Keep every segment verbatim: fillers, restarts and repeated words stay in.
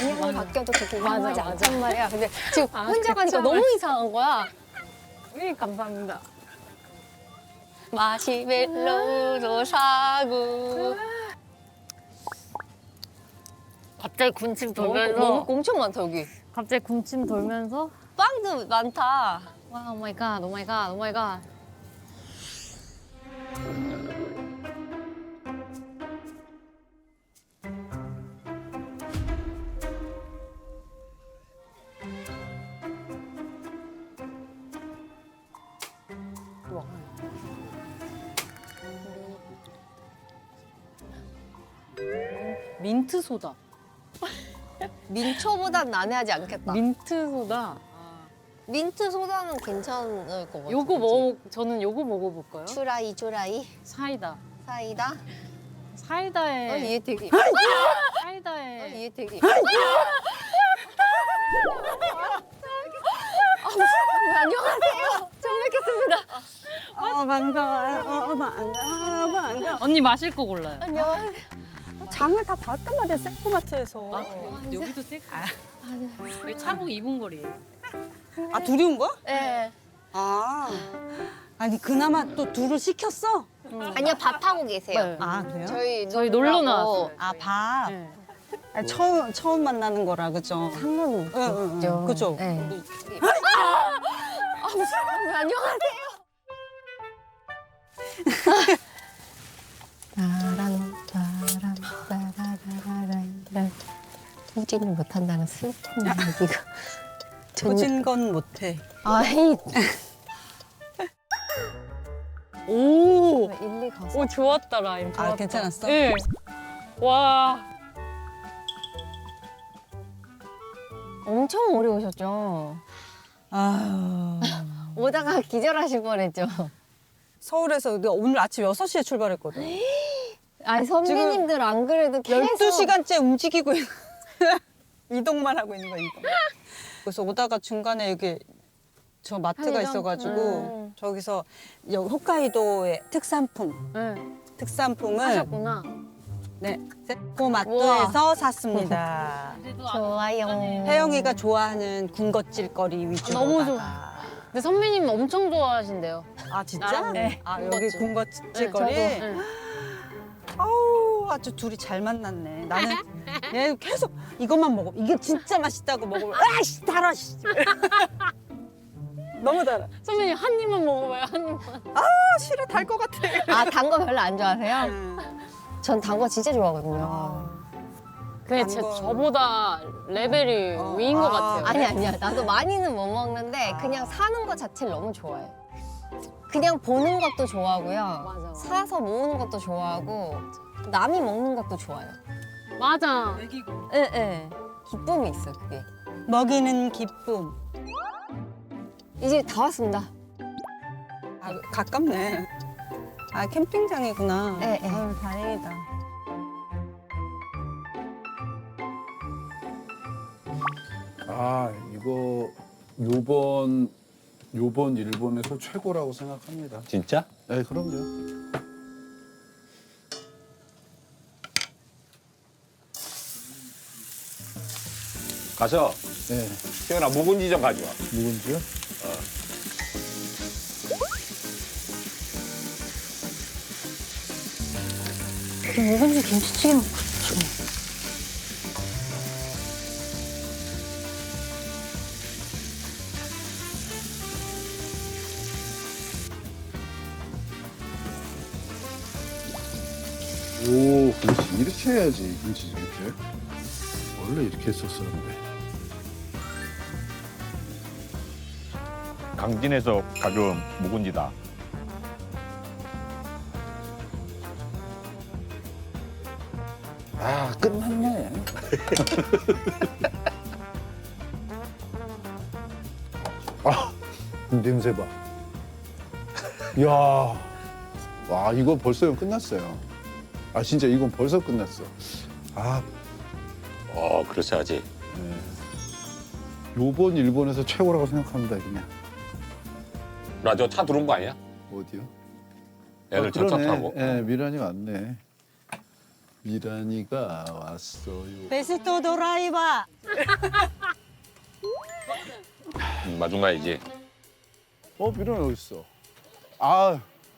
방향이 바뀌어도 그렇게 이상하지 맞아. 않단 말이야. 근데 지금 아, 혼자 가니까 그쵸. 너무 이상한 거야. 네, 감사합니다. 마시멜로도 사고. 갑자기 군침 먹을 거, 돌면서 먹을 거 엄청 많다 여기. 갑자기 군침 돌면서 빵도 많다. 와, 오 마이 갓, 오 마이 갓, 오 마이 갓. 민트 소다. 민초보단 난해하지 않겠다. 민트 소다. 민트 소다는 괜찮을 것 같아. 요거 먹어 저는 요거 먹어볼까요? 추라이 추라이 사이다. 사이다. 어, 사이다에 얘 되게. 사이다에 어, 얘 되게. 안녕하세요. 처음 뵙겠습니다. 어, 반가워요. 어, 반가워, 반가워. 언니 마실 거 골라요. 안녕하세요. 장을 다 봤단 말이야, 세포마트에서. 여기도 셀프. 여기 차복 이 분 거리예요. 아, 둘이 온 거야? 네. 아. 아니, 그나마 또 둘을 시켰어? 아니요, 밥하고 계세요. 네. 아, 그래요? 저희 저희 놀러 놀라고. 나왔어요. 아, 밥. 네. 아니, 처음, 처음 만나는 거라, 그죠? 상관은 응, 응, 응. 그죠? 네. 아, 무슨, 안녕하세요. 따란 따란 따라라라란 후진을 못한다는 슬픈 얘기가 터진 건 못해. 아이 오, 일리 가서 오 좋았다 라임. 좋았다. 아, 괜찮았어? 네. 와, 엄청 오래 오셨죠? 아유. 오다가 기절하실 뻔했죠. 서울에서 내가 오늘 아침 여섯 시에 출발했거든. 아니 선배님들 안 그래도 계속 열두 시간째 움직이고 있는 이동만 하고 있는 거야, 이동. 그래서 오다가 중간에 여기 저 마트가 편의점? 있어가지고 음. 저기서 여기 호카이도의 특산품, 네. 특산품을 하셨구나. 네, 세포마트에서 샀습니다. 좋아요. 혜영이가 좋아하는 군것질거리 위주로. 너무 좋아. 근데 선배님 엄청 좋아하신대요. 아, 진짜? 나랑 네. 아, 군것질. 여기 군것질거리? 네, 저도. 네. 아우, 아주 둘이 잘 만났네. 나는 얘 계속 이것만 먹어. 이게 진짜 맛있다고 먹으면 아이씨, 달아, 씨. 너무 달아. 선배님 한 입만 먹어봐요, 한 입만. 아, 싫어, 달 것 같아. 아 단 거 별로 안 좋아하세요? 음. 전 단 거 진짜 좋아하거든요. 아, 근데 제, 거. 저보다 레벨이 어, 위인 것 아. 같아요. 아니 아니야. 나도 많이는 못 먹는데 아. 그냥 사는 거 자체를 너무 좋아해. 그냥 보는 것도 좋아하고요. 맞아, 맞아. 사서 모으는 것도 좋아하고 남이 먹는 것도 좋아요. 맞아. 예, 예. 기쁨이 있어, 그게. 먹이는 기쁨. 이제 다 왔습니다. 아, 가깝네. 아, 캠핑장이구나. 네, 네. 아유, 다행이다. 아 이거 요번 요번 일본에서 최고라고 생각합니다. 진짜? 네 그럼요. 가서 네 태연아 묵은지 좀 가져와. 누군지요? 묵은지 김치찌개 먹고 싶어. 오 그렇지 이렇게 해야지 김치 이렇게. 원래 이렇게 했었었는데. 강진에서 가져온 묵은지다. 아 끝났네. 아 냄새 봐. 이야 와 이거 벌써 끝났어요. 아 진짜 이건 벌써 끝났어. 아 어, 그렇지 하지. 요번 일본에서 최고라고 생각합니다 그냥. 나 저 차 들어온 거 아니야? 어디요? 애들 아, 전차 그러네. 타고. 예, 미란이 왔네. 미란이가 왔어요. 베스트 드라이버. 음, 마중가야지. 어, 미란이 어디 있어? 아,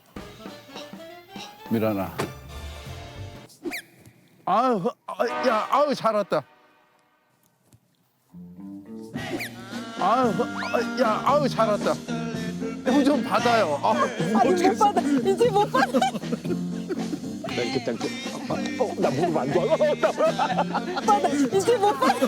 미란아. 아유, 아, 야, 아유 잘 왔다. 아유, 아, 야, 아유 잘 왔다. 형 좀 받아요. 아, 아니 못 받아. 이제 못 받아. 땡큐 땡큐. 어, 나 무릎 안 좋아. 받아. 이제 못 받아.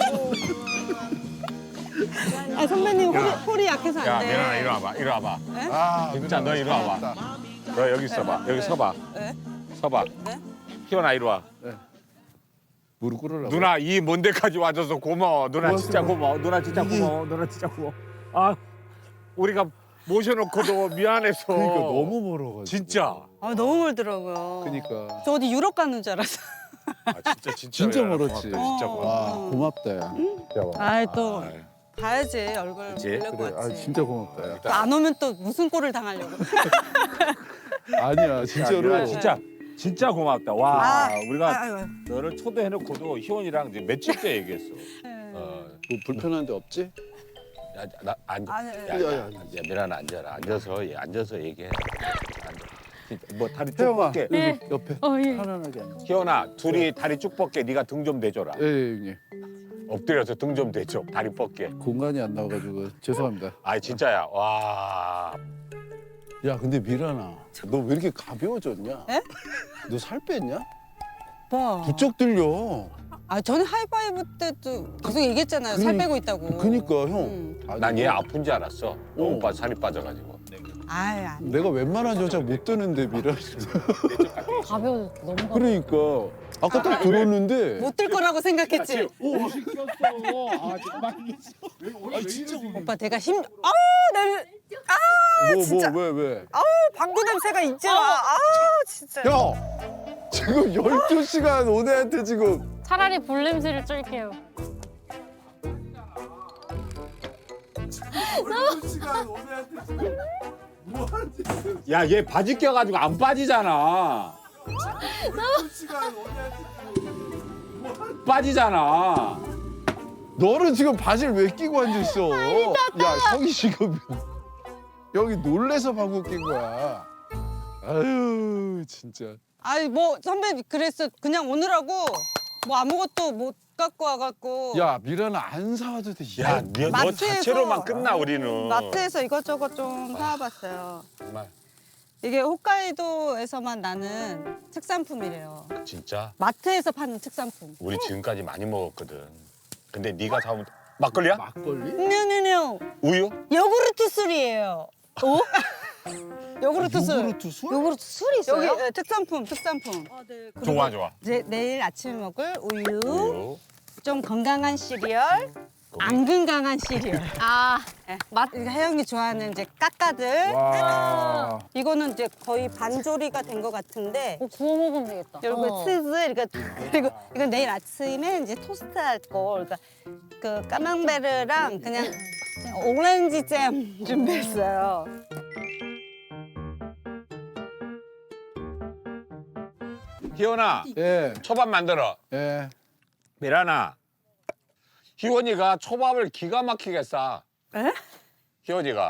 아 선배님 홀이, 홀이 약해서 야, 안 돼. 미란아 이리 와봐. 이리 와봐. 아, 진짜 너 미란아, 이리 잘 와봐. 왔다. 너 여기 있어봐. 여기 서봐. 네? 서봐. 네? 희원아 이리 와. 무릎 꿇으라고. 누나 이 먼 데까지 와줘서 고마워. 누나 고맙습니다. 진짜 고마워. 누나 진짜 고마워. 누나 진짜 고마워. 아, 우리가 모셔놓고도 미안해서. 그러니까 너무 멀어가지고. 진짜. 아 너무 멀더라고요. 그러니까. 저 어디 유럽 가는 줄 알았어. 아, 진짜 진짜. 진짜 미안하다. 멀었지. 고맙다, 진짜 어. 고마워. 와, 고맙다 야. 아이 또 아이. 봐야지 얼굴 그치? 보려고 그래, 아 왔지. 진짜 고맙다 야. 또 안 오면 또 무슨 꼴을 당하려고. 아니야, 야, 진짜로. 미안해, 진짜 진짜 고맙다. 와, 아, 우리가 아유, 아유. 너를 초대해놓고도 희원이랑 이제 며칠째 얘기했어. 네. 어, 뭐 불편한 데 없지? 야, 나 앉아. 아니, 야, 야, 야, 야, 야, 야, 미란아 앉아라. 앉아서 얘 앉아서 얘기해. 앉아. 진짜 뭐 다리 쭉 태영아, 뻗게. 여기 옆에 어, 예. 편안하게 앉아. 희원아, 둘이 다리 쭉 뻗게. 네가 등 좀 대줘라. 예, 예, 형님. 엎드려서 등 좀 대줘. 다리 뻗게. 공간이 안 나와가지고 죄송합니다. 아, 진짜야. 와. 야, 근데 미란아, 너 왜 이렇게 가벼워졌냐? 에? 너 살 뺐냐? 오빠. 부쩍 들려. 아 저는 하이파이브 때도 계속 얘기했잖아요. 살 그니- 빼고 있다고. 그니까 형. 음. 아니, 난 얘 아픈 줄 알았어. 너무 어. 빠 살이 빠져가지고. 아이 아니. 내가 웬만한 여자 못 드는데 미란이. 가벼워 너무 가벼워. 그러니까 아까 딱 들었는데. 못 들 거라고 생각했지. 오, 시켰어. 아, 정말. 아, 진짜. 오빠 내가 힘. 아우 내. 뭐, 뭐, 왜, 왜? 아우 방구 냄새가 있지 마. 아우 진짜. 야, 지금 열두 시간 온 애한테 지금. 차라리 볼 냄새를 쫄게요. 열두 시간 온 애한테 지금. 뭐 하는지. 야, 얘 바지 껴가지고 안 빠지잖아. 열두 시간 온 애한테 지금. 빠지잖아. 너는 지금 바지를 왜 끼고 앉아 있어? 야, 형이 지금 여기 놀래서 방구 낀 거야. 아유, 진짜. 아니 뭐 선배 그랬어. 그냥 오느라고 뭐 아무것도 못 갖고 와갖고. 야, 미란아 안 사와도 돼. 야, 너, 너 마트에서- 자체로만 끝나 우리는. 마트에서 이것저것 좀 사와봤어요. 정말 이게 홋카이도에서만 나는 특산품이래요. 진짜 마트에서 파는 특산품. 우리 지금까지 많이 먹었거든. 근데 네가 사온 막걸리야? 막걸리? 네네네. 우유? 요구르트 술이에요. 오? 요구르트 술. 요구르트 술? 요구르트 술이 있어요? 여기 네, 특산품, 특산품. 그리고 좋아 좋아. 이제 내일 아침에 먹을 우유, 우유. 좀 건강한 시리얼, 안 건강한 시리얼. 아, 네. 맛 혜영이 좋아하는 이제 까까들. 와. 이거는 이제 거의 반조리가 된 것 같은데. 뭐 구워 먹으면 되겠다. 그리고 어. 치즈 이렇게 그리고 이건 내일 아침에 이제 토스트 할 거. 그러니까 그 까망베르랑 그냥 오렌지 잼 준비했어요. 희원아, 예, 초밥 만들어. 예. 미란아, 희원이가 초밥을 기가 막히게 싸. 에? 희원이가.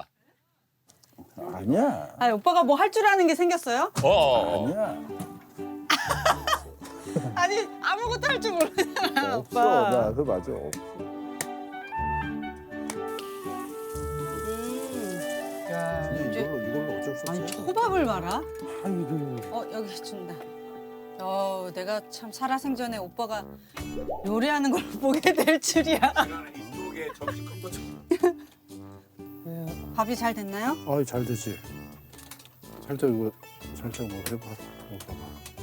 아니야. 아 오빠가 뭐 할 줄 아는 게 생겼어요? 어, 어. 어. 아니야. 아니 아무것도 할 줄 모르잖아 없어. 오빠. 나 그거 맞아. 없어. 야, 그냥 이제 이걸로 이걸로 어쩔 수 없어. 아니 초밥을 말아? 아이고. 어 여기 준다. 어 내가 참 살아생전에 오빠가 요리하는 걸 보게 될 줄이야. 이쪽에 점심컵도 밥이 잘 됐나요? 아이, 잘 되지. 살짝 이거 살짝 뭐 해봐. 먹어봐.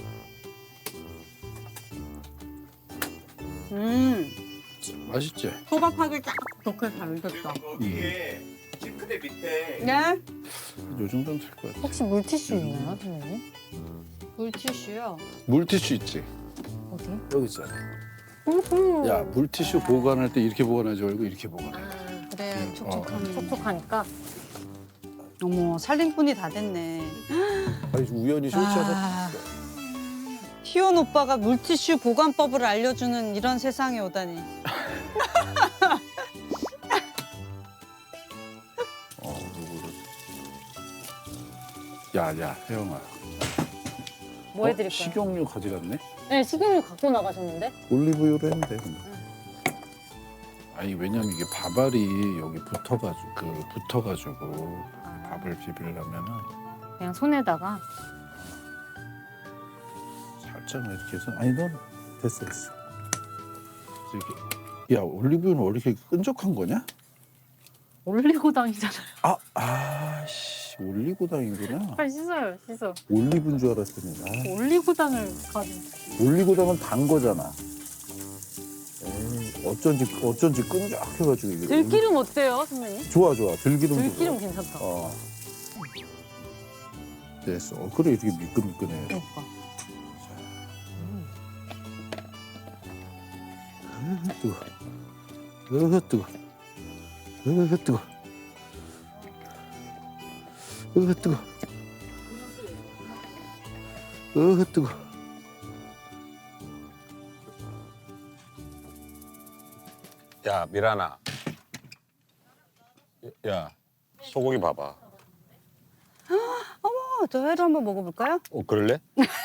음 맛있지? 초밥하기 딱 좋게 잘 됐다. 이게 싱크대 밑에 네? 요 정도면 될 것 같아. 혹시 물티슈 있나요, 선생님? 물티슈요. 물티슈 있지? 어디? 여기 있잖아. 야, 물티슈 보관할 때 이렇게 보관하지 말고 이렇게 보관해. 그래 촉촉하니. 촉촉하니까. 어머 살림꾼이 다 됐네. 아니, 우연히 쇼츠하다. 아. 희원 오빠가 물티슈 보관법을 알려주는 이런 세상에 오다니. 어, 요거를. 야, 야, 혜영아. 뭐 해드릴까요? 식용유 가져갔네? 네, 식용유 갖고 나가셨는데? 올리브유로 하면 돼. 근데. 아니 왜냐면 이게 밥알이 여기 붙어가지고 그 붙어가지고 밥을 비비려면은 그냥 손에다가. 살짝만 이렇게 해서 아니 넌 됐어 됐어. 이렇게 야 올리브유는 원래 이렇게 끈적한 거냐? 올리고당이잖아요. 아 아씨 올리고당이구나. 빨리 씻어요, 씻어. 올리브인 줄 알았더니 아, 올리고당을 가지고. 올리고당은 단 거잖아. 에이, 어쩐지 어쩐지 끈적해가지고 이게. 들기름 어때요, 선배님? 좋아 좋아 들기름. 들기름 괜찮다. 어. 됐어. 어, 그래 이렇게 미끈미끈해. 그러니까. 으 뜨거. 으 뜨거. 으 뜨거. 으 뜨거. 으 뜨거. 야 미란아. 야 소고기 봐봐. 어머, 저 회를 한번 먹어볼까요? 어 그럴래?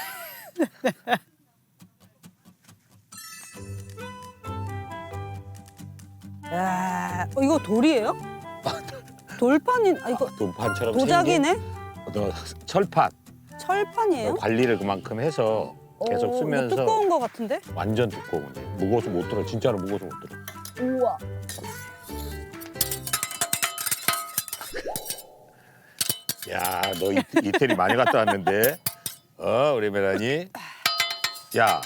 야, 어, 이거 돌이에요? 돌판이, 아 이거 돌판처럼 도자기네? 생긴 너 철판. 철판이에요? 관리를 그만큼 해서 계속 어, 쓰면서 이거 두꺼운 거 같은데? 완전 두꺼운데 무거워서 못 들어. 진짜로 무거워서 못 들어. 우와. 야, 너 이, 이태리 많이 갔다 왔는데. 어, 우리 메라니. 야,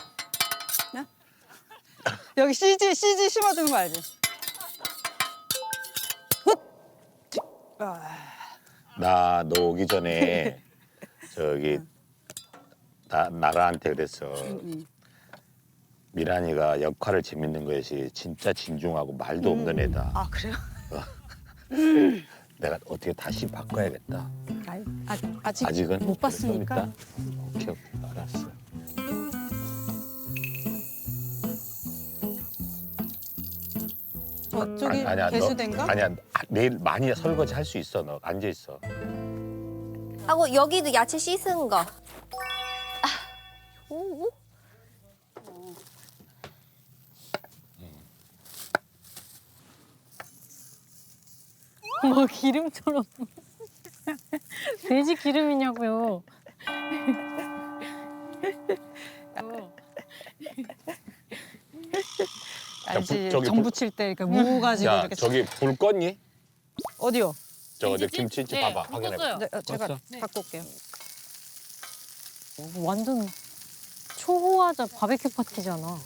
여기 씨지, 씨지 심어두는 거 알지? 훗! 아, 나 너 오기 전에 저기 나 나라한테 그랬어. 미란이가 역할을 재밌는 것이 진짜 진중하고 말도 없는 애다. 아 그래요? 내가 어떻게 다시 바꿔야겠다. 아, 아, 아직, 아직은 못 봤으니까. 좀 이따? 오케이, 오케이, 알았어. 저쪽이 아니, 아니야, 개수된가? 너, 아니야, 아, 내일 많이 설거지 할 수 있어. 너 앉아 있어. 하고 여기도 야채 씻은 거. 아, 오, 오. 뭐 기름처럼. 돼지 기름이냐고요. 알지, 저기 정 불- 부칠 때 이렇게 무 가지고 야, 이렇게 저기 불 껐니? 어디요? 저거 저 김치찜? 김치찜 네, 봐봐, 불 확인해. 껐어요. 네, 어, 제가 껐어? 갖고 올게요. 완전 초호화자 바베큐 파티잖아. 와,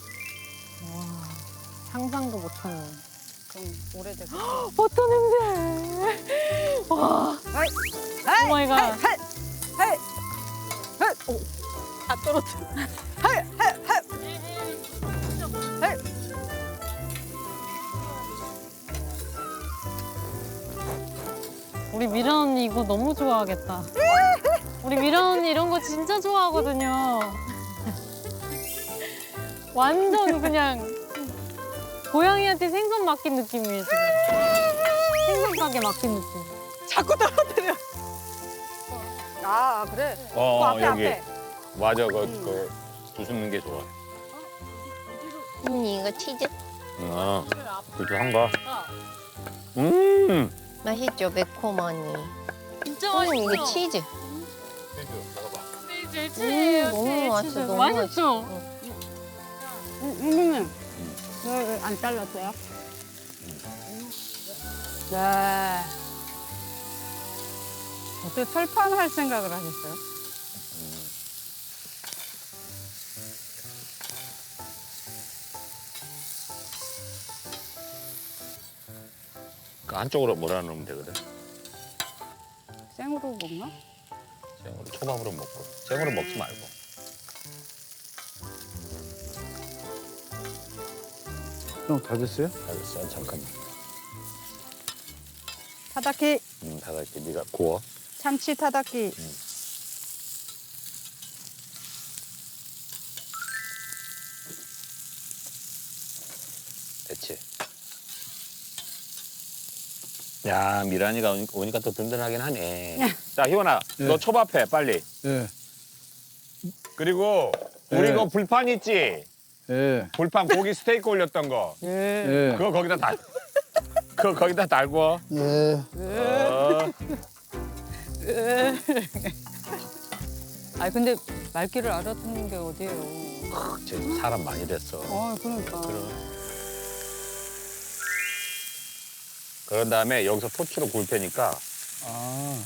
상상도 못하는. 그럼 오래되고. 어떤 냄새. 와. 하이, 오 마이 갓. 하이, 하이, 하이, 하이, 오, 다 떨어뜨려. 하이, 하이, 하이, 하이. 우리 미란 언니 이거 너무 좋아하겠다. 우리 미란 언니 이런 거 진짜 좋아하거든요. 완전 그냥 고양이한테 생선 맡긴 느낌이에요, 지금. 생선 가게 맡긴 느낌. 자꾸 떨어뜨려. 아 그래. 그 어, 앞에 여기. 앞에. 맞아, 그, 그 부수는 게 좋아. 언니 이거 치즈 어, 그렇게 한 거. 음. 맛있죠? 매콤하니. 진짜 언니 맛있어. 이거 치즈. 제일 음, 너무 맛있어, 너무 맛있죠? 선생님, 왜안 잘랐어요? 네. 어떻게 철판 할 생각을 하셨어요? 그 한쪽으로 몰아넣으면 되거든. 생으로 먹나? 생으로 초밥으로 먹고. 생으로 먹지 말고. 형 다 됐어요? 알았어, 잠깐만. 타다키, 음, 다 같이 네가 구워. 참치 타다키. 그렇지. 야, 미란이가 오니- 오니까 또 든든하긴 하네. 자, 희원아, 예. 너 초밥해 빨리. 예, 그리고 우리 예. 그 불판 있지? 예, 불판 고기 스테이크 올렸던 거. 예. 그거 거기다 달. 그거 거기다 달고. 예. 어. 아 근데 말귀를 알아듣는 게 어디예요? 쟤 사람 많이 됐어. 아 그러니까. 그럼. 그런 다음에 여기서 토치로 구울 테니까 아,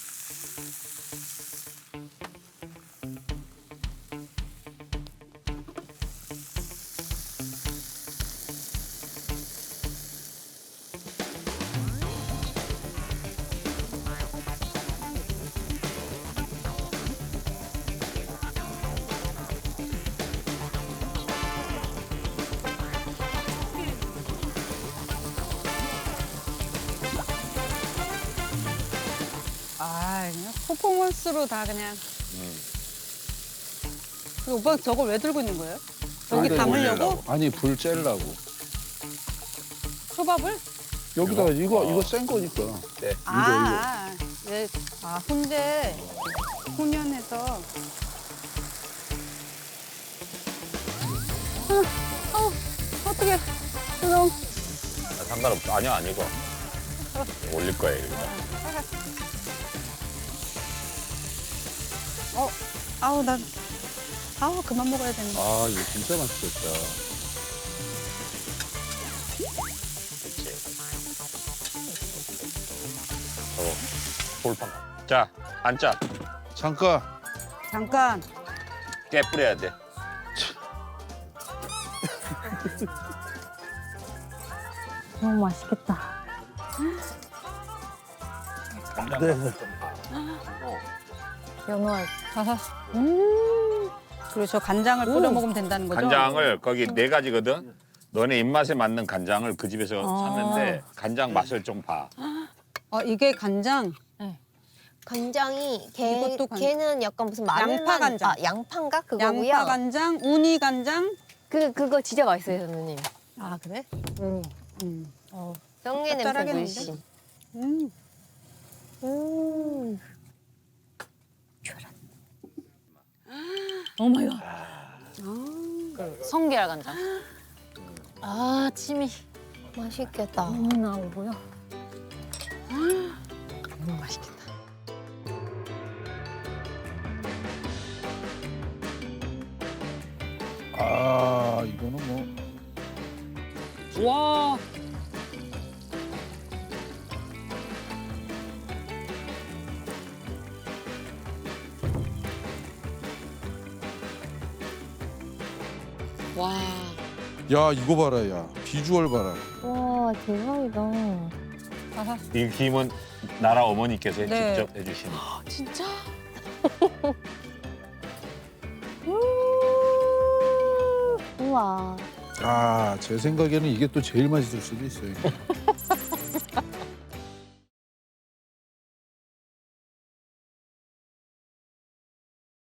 아, 그냥 퍼포먼스로 다 그냥. 음. 근데 오빠 저걸 왜 들고 있는 거예요? 여기 여기다 담으려고? 올리려고. 아니 불 쬐려고. 초밥을? 여기다가 이거? 이거 어. 이거 센 거니까. 네. 아, 예. 아, 훈제 훈연해서. 어떻게? 그럼 아, 상관없어. 아니야, 아니고. 올릴 거야, 여기다. 어, 아우 난, 아우 그만 먹어야 되는데. 아 이거 진짜 맛있겠다. 그치. 저거, 볼판. 자, 앉자. 잠깐. 잠깐. 깨 뿌려야 돼. 너무 맛있겠다. 네. 연어알. 음. 그리고 저 간장을 뿌려 먹으면 된다는 거죠? 간장을 거기 네 가지거든. 너네 입맛에 맞는 간장을 그 집에서 아. 샀는데 간장 맛을 좀 봐. 어, 이게 간장. 간장이 걔 이것도 간- 걔는 약간 무슨 마늘만 양파 간장. 아 양파인가 그거고요. 양파 간장, 우니 간장. 그 그거 진짜 맛있어요 선생님. 아 그래? 음. 음. 어. 정리 냄새 짭짤하겠는데? 물씬. 음. 음. 오 마이 갓. 성게알 간장. 아 침이 맛있겠다. 너무 나오고요. 너무 맛있겠다. 아 이거는 뭐. 와. 와. 야 이거 봐라 야 비주얼 봐라. 와 대박이다. 아하. 이 김은 나라 어머니께서 네. 직접 해주신. 진짜? 우와. 아 제 생각에는 이게 또 제일 맛있을 수도 있어요.